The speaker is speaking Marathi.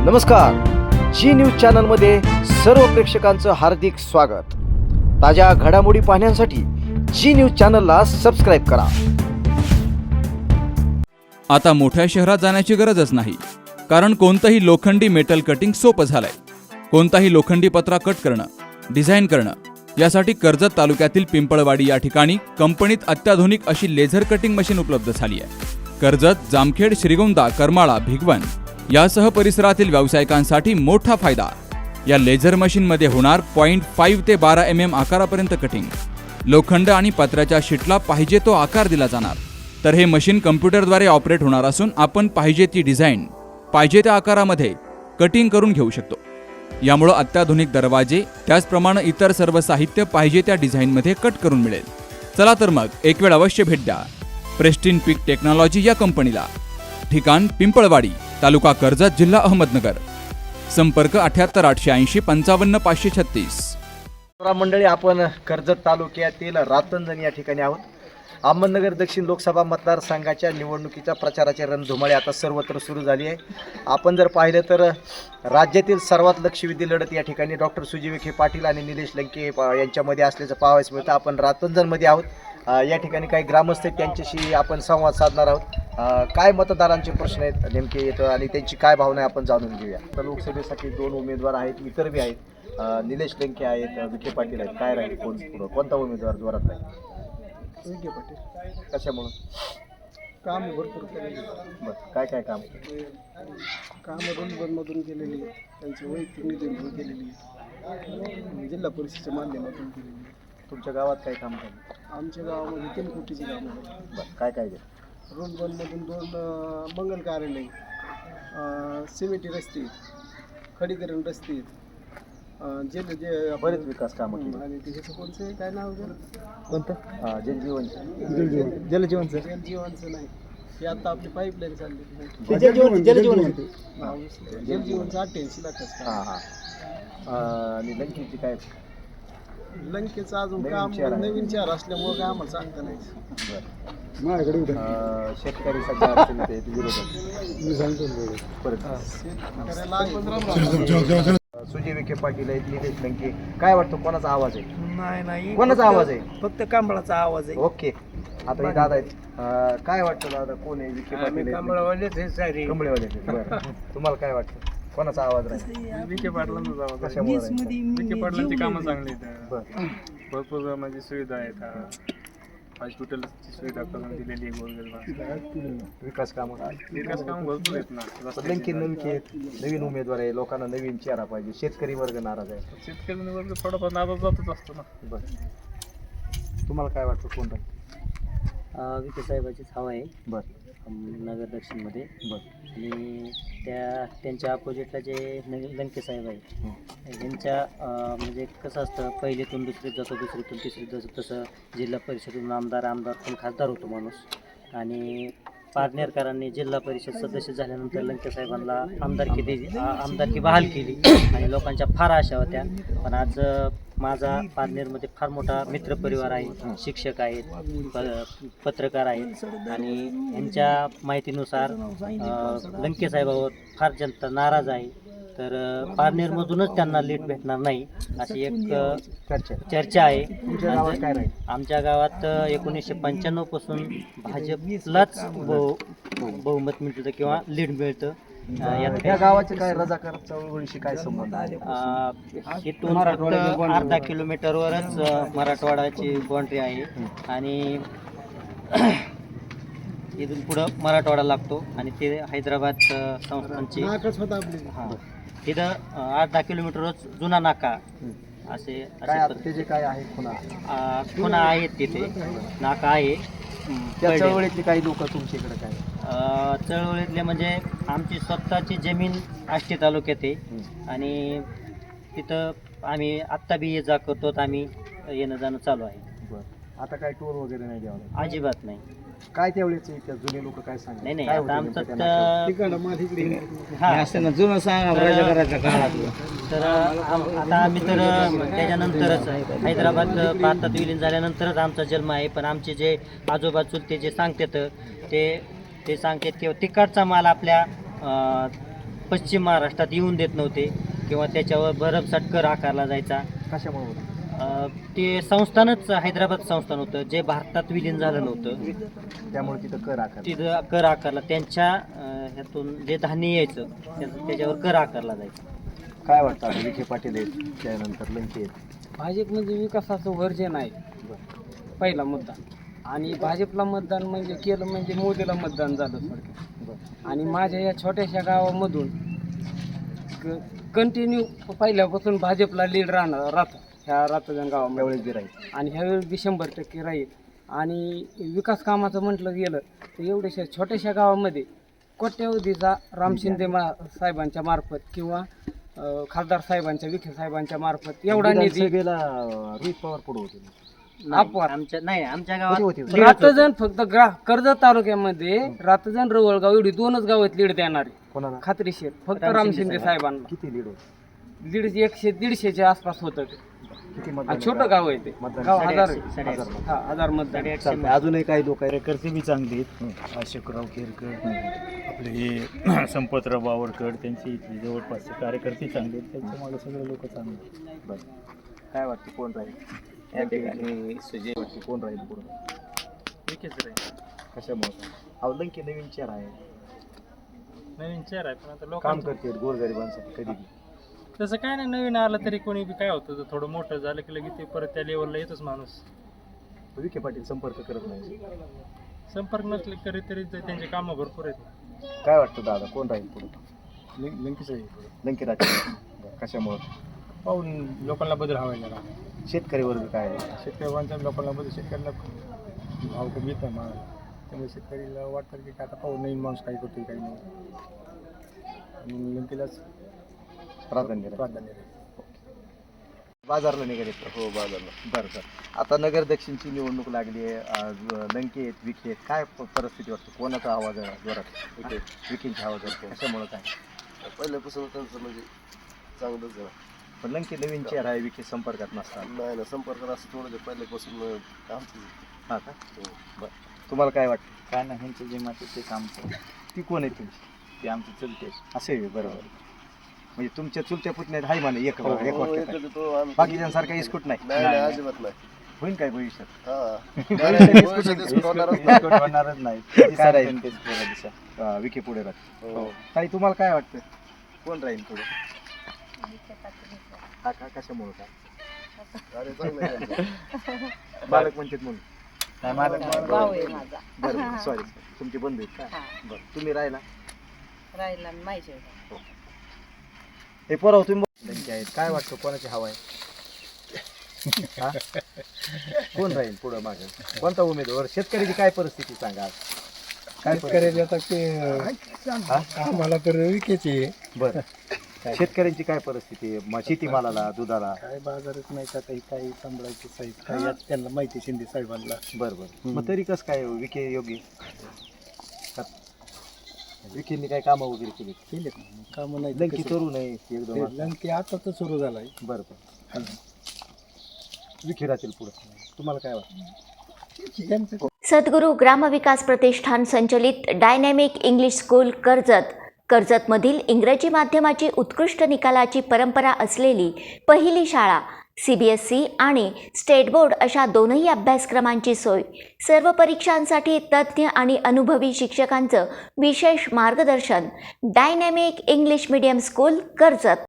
नमस्कार, जी न्यूज चॅनलमध्ये सर्व प्रेक्षकांचं हार्दिक स्वागत। ताज्या घडामोडी पाहण्यासाठी जी न्यूज चॅनलला सबस्क्राइब करा। आता मोठ्या शहरात जाण्याची गरजच नाही, कारण कोणतंही लोखंडी मेटल कटिंग सोपं झालंय। कोणताही लोखंडी पत्रा कट करणं, डिझाईन करणं यासाठी कर्जत तालुक्यातील पिंपळवाडी या ठिकाणी कंपनीत अत्याधुनिक अशी लेझर कटिंग मशीन उपलब्ध झाली आहे। कर्जत, जामखेड, श्रीगोंदा, करमाळा, भिगवण यासह परिसरातील व्यावसायिकांसाठी मोठा फायदा। या लेझर मशीनमध्ये होणार 0.5 ते 12 mm आकारापर्यंत कटिंग। लोखंड आणि पत्र्याच्या शीटला पाहिजे तो आकार दिला जाणार। तर हे मशीन कम्प्युटरद्वारे ऑपरेट होणार असून आपण पाहिजे ती डिझाईन पाहिजे त्या आकारामध्ये कटिंग करून घेऊ शकतो। यामुळे अत्याधुनिक दरवाजे त्याचप्रमाणे इतर सर्व साहित्य पाहिजे त्या डिझाईनमध्ये कट करून मिळेल। चला तर मग एक वेळ अवश्य भेट द्या प्रेस्टिन पीक टेक्नॉलॉजी या कंपनीला। ठिकाण पिंपळवाडी, तालुका कर्जत, जिल्हा अहमदनगर। संपर्क 78 880 55 536। मंडळी, आपण कर्जत तालुक्यातील रातंजण या ठिकाणी आहोत। अहमदनगर दक्षिण लोकसभा मतदारसंघाच्या निवडणुकीच्या प्रचाराची रणधुमाळी आता सर्वत्र सुरू झाली आहे। आपण जर पाहिलं तर राज्यातील सर्वात लक्षवेधी लढत या ठिकाणी डॉक्टर सुजय विखे पाटील आणि निलेश लंके यांच्यामध्ये असल्याचं पाहावयास मिळतं। आपण रातंजणमध्ये आहोत। या ठिकाणी काही ग्रामस्थ आहेत, त्यांच्याशी आपण संवाद साधणार आहोत। काय मतदारांचे प्रश्न आहेत नेमके येतं आणि त्यांची काय भावना आहे आपण जाणून घेऊया। तर लोकसभेसाठी 2 उमेदवार आहेत, इतर बी आहेत। निलेश लंके आहेत, विखे पाटील आहेत। काय राहील, कोणता उमेदवार जोरात राहील? विखे पाटील। कशामुळं? काम भरपूर केलेली। बरं, काय काय काम? कामं मधून केलेली, त्यांची वैयक्तिक निधीतून केलेली, जिल्हा परिषदेच्या माध्यमातून केलेली। तुमच्या गावात काय काम झालं? आमच्या गावामध्ये 3 कोटीची कामं झाली। बरं, काय काय झालं? रोडमधून 2 मंगल कार्यालय, सिमेंटी रस्ते, खडीकरण रस्ते, जे बरेच विकास कामं केली। आणि त्याचं कोणतं काय नाव झालं? कोणतं? जलजीवनचं जलजीवनचं नाही, हे आता आपली पाईपलाईन चालली। जलजीवनचं 88 लाखाचं। हां हां। आणि लंकेची काय? लंकेचं अजून काम नवीन चार असल्यामुळे काय आम्हाला सांगता नाही। शेतकरी सध्या अडचणीत आहेत, विरोधात सुजय विखे पाटील आहेत, निलेश लंके। काय वाटतं, कोणाचा आवाज आहे? नाही, कोणाचा आवाज आहे? फक्त कांबळाचा आवाज आहे। ओके, आता हे दादा आहेत। काय वाटतं दादा, कोण आहे? विखे पाटील कंबळेवाले आहेत। बरं, तुम्हाला काय वाटतं, कोणाचा आवाज राहील? विखे पाटलांचा आवाज। कशामुळे? विखे पाटलांची कामं चांगली आहेत, बरं, भरपूर म्हणजे सुविधा आहेत। हॉस्पिटलची सुविधा करून दिलेली आहे गोरगरिबांना। विकास कामं भरपूर आहेत ना। लंके आहेत, नवीन उमेदवार आहे, लोकांना नवीन चेहरा पाहिजे। शेतकरी वर्ग नाराज आहे। शेतकरी वर्ग थोडाफार नाराज जातच असतो ना। बरं, तुम्हाला काय वाटतं, कोण राहील? विखे साहेबाचीच हवा आहे बरं नगर दक्षिणमध्ये। बरं, आणि त्यांच्या अपोजिटला जे लंके साहेब आहे त्यांच्या म्हणजे कसं असतं, पहिलीतून दुसरीत जातो, दुसरीतून तिसरीत जातो, तसं जिल्हा परिषदेतून आमदार पण खासदार होतो माणूस। आणि पारनेरकरांनी जिल्हा परिषद सदस्य झाल्यानंतर लंके साहेबांना आमदारकी बहाल केली आणि लोकांच्या फार आशा होत्या। पण आज माझा पारनेरमध्ये फार मोठा मित्रपरिवार आहे, शिक्षक आहेत, पत्रकार आहेत आणि यांच्या माहितीनुसार लंके साहेबावर फार जनता नाराज आहे। तर पारनेरमधूनच त्यांना लीड भेटणार नाही अशी एक चर्चा आहे। आमच्या गावात 1995 पासून भाजपलाच बहुमत मिळतं किंवा लीड मिळतं। या गावाचे काय रजाकार चळवळीशी काय संबंध आहे? इथून फक्त अर्धा किलोमीटरवरच मराठवाड्याची बाउंड्री आहे आणि इथून पुढं मराठवाडा लागतो आणि ते हैदराबाद संस्थांची हां, तिथं 8-10 किलोमीटरच जुना नाका असे काय आहे? खुणा आहेत, तिथे नाका आहे। त्या चळवळीतले काही लोक तुमच्या इकडे काय? चळवळीतले म्हणजे आमची स्वतःची जमीन आष्टी तालुक्यात आहे आणि तिथं आम्ही आत्ता बी ये जा करतो, आम्ही येणं जाणं चालू आहे। बरं, आता काय टूर वगैरे नाही द्यावं? अजिबात नाही। काय त्यावेळेस जुने लोक काय सांगतात? नाही, आता आमचं तर आता आम्ही तर त्याच्यानंतरच हैदराबाद भारतात विलीन झाल्यानंतरच आमचा जन्म आहे। पण आमचे जे आजोबा चुलते जे सांगतात ते सांगतात की तिकडचा माल आपल्या पश्चिम महाराष्ट्रात येऊन देत नव्हते किंवा त्याच्यावर भरमसाठ कर आकारला जायचा. कशामुळे होतं? ते संस्थानच हैदराबाद संस्थान होतं जे भारतात विलीन झालं नव्हतं, त्यामुळे तिथं कर आकार. तिथं कर आकारला. त्यांच्या ह्यातून जे धान्य यायचं त्याच्यावर कर आकारला जायचा. काय वाटतं आता विखे पाटील आहेत त्यानंतर लंके आहेत? भाजप म्हणजे विकासाचं वर्जन आहे पहिला मुद्दा, आणि भाजपला मतदान म्हणजे केलं म्हणजे मोदीला मतदान झालं थोडक्यात. आणि माझ्या या छोट्याशा गावामधून कंटिन्यू पहिल्यापासून भाजपला लीड राहतं ह्या रातजण गावामध्ये. त्यावेळेस बी राहील आणि ह्यावेळेस बी 100% राहील. आणि विकास कामाचं म्हटलं गेलं तर एवढ्याशा छोट्याशा गावामध्ये कोट्यावधीचा राम शिंदे साहेबांच्या मार्फत किंवा खासदार साहेबांच्या, विखे साहेबांच्या मार्फत एवढा निधी रोहित पवार पुढे होते. अपवाद. आमच्या गावात होती रातजण फक्त कर्जत तालुक्यामध्ये रातजण रवळगाव एवढी 2च गावात लीड देणारी कोणाला? खात्रीशीर फक्त राम शिंदे साहेबांना. किती लीड होती? लीड 100-150 आसपास होतं ते. किती आणि छोटं गाव आहे ते मतदान? गाव 1000 साडेआठशे. हा 1000 मतदान. चालतंय. अजूनही काही लोक आहेत. केरकर बी चांगले आहेत. अशोकराव केरकर, आपले हे संपतराव बावरकर, त्यांची इथली जवळपासचे कार्यकर्ते चांगले आहेत. त्यांच्या मागे सगळे लोक चांगले आहेत. बरं. काय वाटतं कोण राहील या ठिकाणी? सुजय वाटते कोण राहील पुढे? विकेच रे कशामुळे? अहो लंके नवीन चेहरा आहे, नवीन चेहरा आहे, पण आता काम लोकांचं करते गोरगरिबांसाठी कधी बी. तसं काय नाही, नवीन आलं तरी कोणी बी काय होतं, थोडं मोठं झालं की लगेच ते परत त्या लेवलला येतोच माणूस. विखे पाटील संपर्क करत नाही. संपर्क नसले तरी त्यांचे कामं भरपूर आहेत. काय वाटतं दादा कोण राहील पुढे? लंकेच लंके राज. कशामुळे? पाहून लोकांना बदल हवायला शेतकरी वर्ग काय आहे? शेतकऱ्यांच्या लोकांना बदल, शेतकऱ्यांना भाव कमी येत नाही मागायला, त्यामुळे शेतकरीला वाटतं की आता पाहून नवीन माणूस काही करतोय काही नाही, आणि लंकेलाच प्राधान्य प्राधान्य आहे. बाजारला निघाले. हो बाजारला. बरं बरं. आता नगर दक्षिणची निवडणूक लागली आहे. लंके आहेत, विखे आहेत. काय परिस्थिती वाटते? कोणाचा आवाज आहे जोरात? विखेंची आवाज वाटते. कशामुळे काय? पहिल्यापासून त्यांचं म्हणजे चांगलंच आहे. पण लंके नवीन चेहरा आहे, विखे संपर्कात नसतात. नाही ना, संपर्कात असं थोडं जे पहिल्यापासून आमचं. हां का? बरं. तुम्हाला काय वाटतं? काय नाही, ह्यांचं जे मत ते काम ती कोण आहे तुमची? ते आमचे चलते. असे आहे. बरोबर. म्हणजे तुमच्या चुलत्या पुतण्यात हाय म्हणे एक हो, वाक्यात. एकच तो आम्ही- बाकीच्यांसारखा इस्कूट नाही. नाही नाही, अजिबात नाही. होईल काय भविष्यात? हा. भविष्यात भविष्यात होणारच नाही. होणारच नाही. काय राहील? तेच पुढे दिशा. विखे पुढे राहते. हो. ताई तुम्हाला काय वाटतं कोण राहील पुढे? हा का? कशामुळे काय? अरे चांगलं आहे त्यांचं. बालक म्हणतात म्हणून. नाही, मला भाऊ आहे माझा. बरं सॉरी तुमची बंधू आहेत का? हा. बरं तुम्ही राहिला. राहिला माहिती आहे. हे पोराव तुम्ही लंके आहेत. काय वाटतं कोणाची हवा आहे? हा? कोण राहील पुढं मागे? कोणता उमेदवार? शेतकऱ्याची काय परिस्थिती सांगा आज? काय परिस्थिती? आता ते आम्हाला तर विकेची बरं. शेतकऱ्यांची काय परिस्थिती आहे? शेतीमालाला, दुधाला? काय बाजारच नाही का, काही सांभाळायचे साहेब काय यात त्यांना माहिती शिंदे साहेबांना. बरं बरं. मग तरी कसं काय विखे योग्य? विखेंनी काय कामं वगैरे केली? केलेत कामं नाही लंकी तरुण आहे एकदम. लंके आता तर सुरू झालाय. बरं बरं. विखे राहतील पुढं. तुम्हाला काय वाटतं? सद्गुरू ग्रामविकास प्रतिष्ठान संचलित डायनॅमिक इंग्लिश स्कूल कर्जतमधील इंग्रजी माध्यमाची उत्कृष्ट निकालाची परंपरा असलेली पहिली शाळा. CBSE आणि स्टेट बोर्ड अशा दोनही अभ्यासक्रमांची सोय. सर्व परीक्षांसाठी तज्ज्ञ आणि अनुभवी शिक्षकांचं विशेष मार्गदर्शन. Dynamic English medium school Karjat.